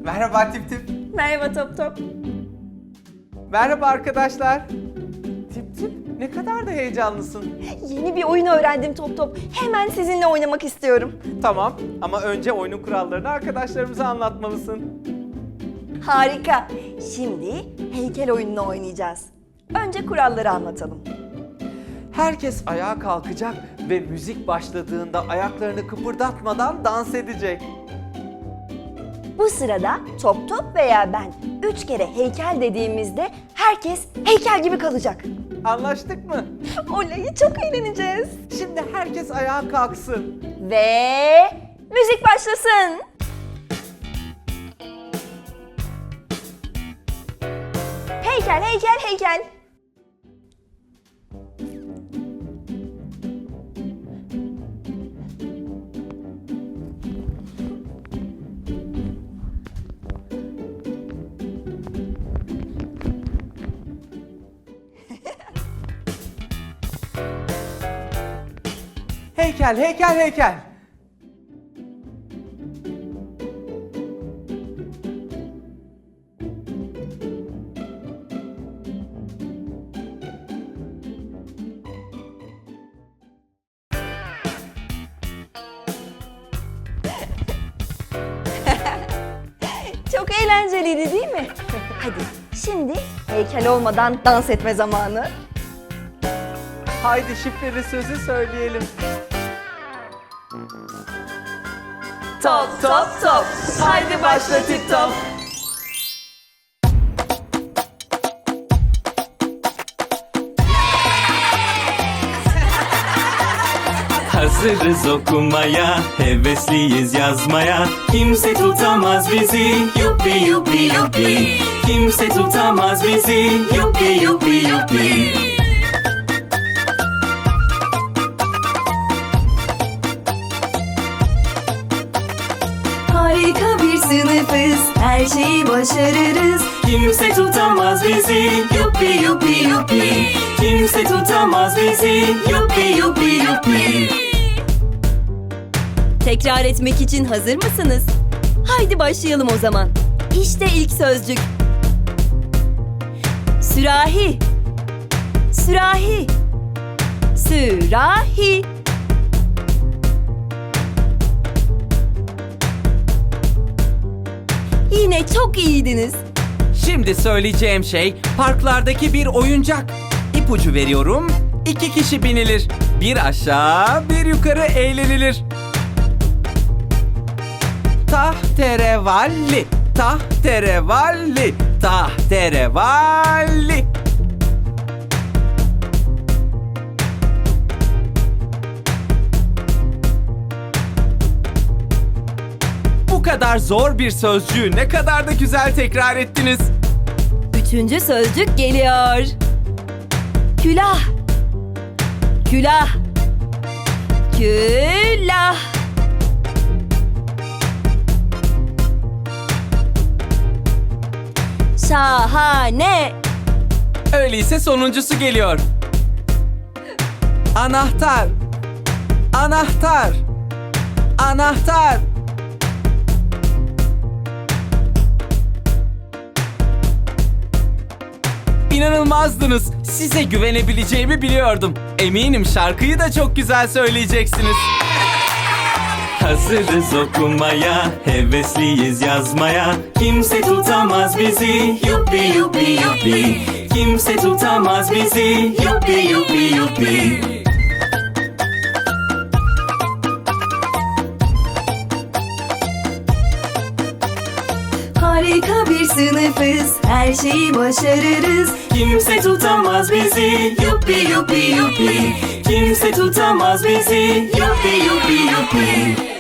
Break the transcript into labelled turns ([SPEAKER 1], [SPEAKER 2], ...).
[SPEAKER 1] Merhaba Tip Tip.
[SPEAKER 2] Merhaba Top Top.
[SPEAKER 1] Merhaba arkadaşlar. Tip Tip, ne kadar da heyecanlısın.
[SPEAKER 2] Yeni bir oyun öğrendim Top Top. Hemen sizinle oynamak istiyorum.
[SPEAKER 1] Tamam ama önce oyunun kurallarını arkadaşlarımıza anlatmalısın.
[SPEAKER 2] Harika. Şimdi heykel oyununu oynayacağız. Önce kuralları anlatalım.
[SPEAKER 1] Herkes ayağa kalkacak ve müzik başladığında ayaklarını kıpırdatmadan dans edecek.
[SPEAKER 2] Bu sırada Top Top veya ben 3 kere heykel dediğimizde herkes heykel gibi kalacak.
[SPEAKER 1] Anlaştık mı?
[SPEAKER 2] Oley, çok eğleneceğiz.
[SPEAKER 1] Şimdi herkes ayağa kalksın.
[SPEAKER 2] Ve müzik başlasın. Heykel, heykel, heykel.
[SPEAKER 1] Heykel, heykel, heykel.
[SPEAKER 2] Çok eğlenceliydi değil mi? Hadi şimdi heykel olmadan dans etme zamanı.
[SPEAKER 1] Haydi şifreli sözü söyleyelim.
[SPEAKER 2] Top top top.
[SPEAKER 1] Haydi başla Tip Top.
[SPEAKER 3] Hazırız okumaya, hevesliyiz yazmaya. Kimse tutamaz bizi, yuppi yuppi yuppi. Kimse tutamaz bizi, yuppi yuppi yuppi.
[SPEAKER 4] Harika bir sınıfız, her şeyi başarırız.
[SPEAKER 3] Kimse tutamaz bizi, yuppi yuppi yuppi. Kimse tutamaz bizi, yuppi yuppi yuppi.
[SPEAKER 4] Tekrar etmek için hazır mısınız? Haydi başlayalım o zaman. İşte ilk sözcük. Sürahi. Sürahi. Sürahi. Yine çok iyiydiniz.
[SPEAKER 5] Şimdi söyleyeceğim şey parklardaki bir oyuncak. İpucu veriyorum. 2 kişi binilir. Bir aşağı, bir yukarı eğlenilir. Tahterevalli, tahterevalli, tahterevalli. Bu kadar zor bir sözcüğü ne kadar da güzel tekrar ettiniz.
[SPEAKER 4] Üçüncü sözcük geliyor. Külah. Külah. Külah. Şahane.
[SPEAKER 5] Öyleyse sonuncusu geliyor. Anahtar. Anahtar. Anahtar. İnanılmazdınız. Size güvenebileceğimi biliyordum. Eminim şarkıyı da çok güzel söyleyeceksiniz.
[SPEAKER 3] Hazırız okumaya, hevesliyiz yazmaya. Kimse tutamaz bizi, yuppi yuppi yuppi. Kimse tutamaz bizi, yuppi yuppi yuppi.
[SPEAKER 4] Harika bir sınıfız, her şeyi başarırız.
[SPEAKER 3] Kimse tutamaz bizi, yuppi yuppi yuppi. Kimse tutamaz bizi, yuppi yuppi yuppi.